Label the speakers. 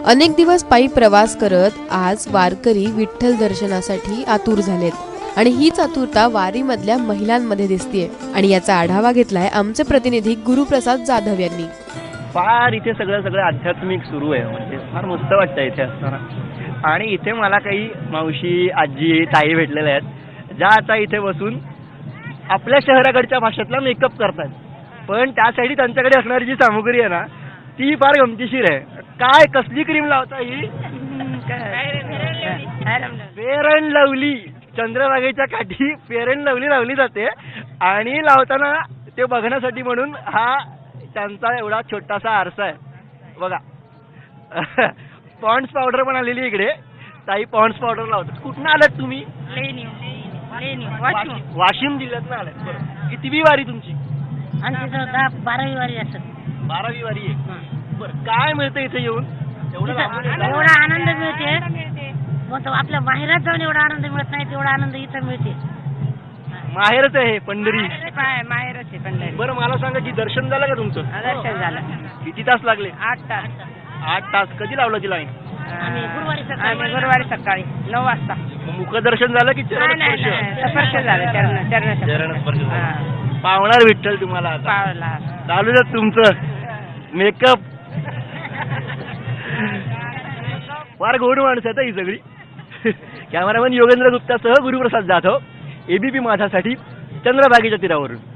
Speaker 1: अनेक दिवस पायी प्रवास करत आज वारकरी विठ्ठल दर्शनासाठी आतुर झालेत आणि हीच आतुरता वारीमधल्या महिलांमध्ये दिसतेय आणि याचा आढावा घेतलाय आमचे प्रतिनिधी गुरुप्रसाद जाधव यांनी.
Speaker 2: फार इथे सगळं आध्यात्मिक सुरू आहे. म्हणजे फार मस्त वाटतं इथे असताना. आणि इथे मला काही मावशी, आजी, ताई भेटलेल्या आहेत ज्या आता इथे बसून आपल्या शहराकडच्या भाषेतला मेकअप करतात. पण त्यासाठी त्यांच्याकडे असणारी जी सामुग्री आहे ना ती फार गमतीशीर आहे. काय कसली क्रीम लावता ही? Fair and lovely. चंद्रभागेच्या काठी फेअर अँड लवली लावली जाते आणि लावताना ते बघण्यासाठी म्हणून हा त्यांचा एवढा छोटासा आरसा आहे बघा. पॉन्ड्स पावडर पण आलेली इकडे. ताई पॉन्ड्स पावडर लावतात. कुठनं आलात तुम्ही? वाशिम जिल्ह्यातनं आलात. बरं, कितवी वारी तुमची?
Speaker 3: आमची 12वी वारी असत.
Speaker 2: 12वी वारी आहे. बरं, काय मिळतं इथे येऊन?
Speaker 3: एवढा आनंद मिळते. मग आपल्या माहेरात जाऊन एवढा आनंद मिळत नाही तेवढा आनंद इथं मिळते.
Speaker 2: माहेरच आहे पंढरी.
Speaker 3: माहेरच आहे पंढरी.
Speaker 2: बरं, मला सांगा की दर्शन झालं का तुमचं?
Speaker 3: दर्शन झालं.
Speaker 2: किती तास लागले?
Speaker 3: 8 तास.
Speaker 2: 8 तास. कधी लावलं ती लाईन?
Speaker 3: आम्ही गुरुवारी सकाळी 9 वाजता.
Speaker 2: मुखदर्शन झालं की चरणस्पर्श?
Speaker 3: स्पर्श झालं.
Speaker 2: चरणस्पर्श झालं. पावणार विठ्ठल तुम्हाला आता.
Speaker 3: पावला.
Speaker 2: चालू द्या तुमचं मेकअप. फार गोड माणसं आहेत ही सगळी. कॅमेरामॅन योगेंद्र गुप्तासह गुरुप्रसाद जाधव, एबीपी माझासाठी, चंद्रभागेच्या तीरावरून.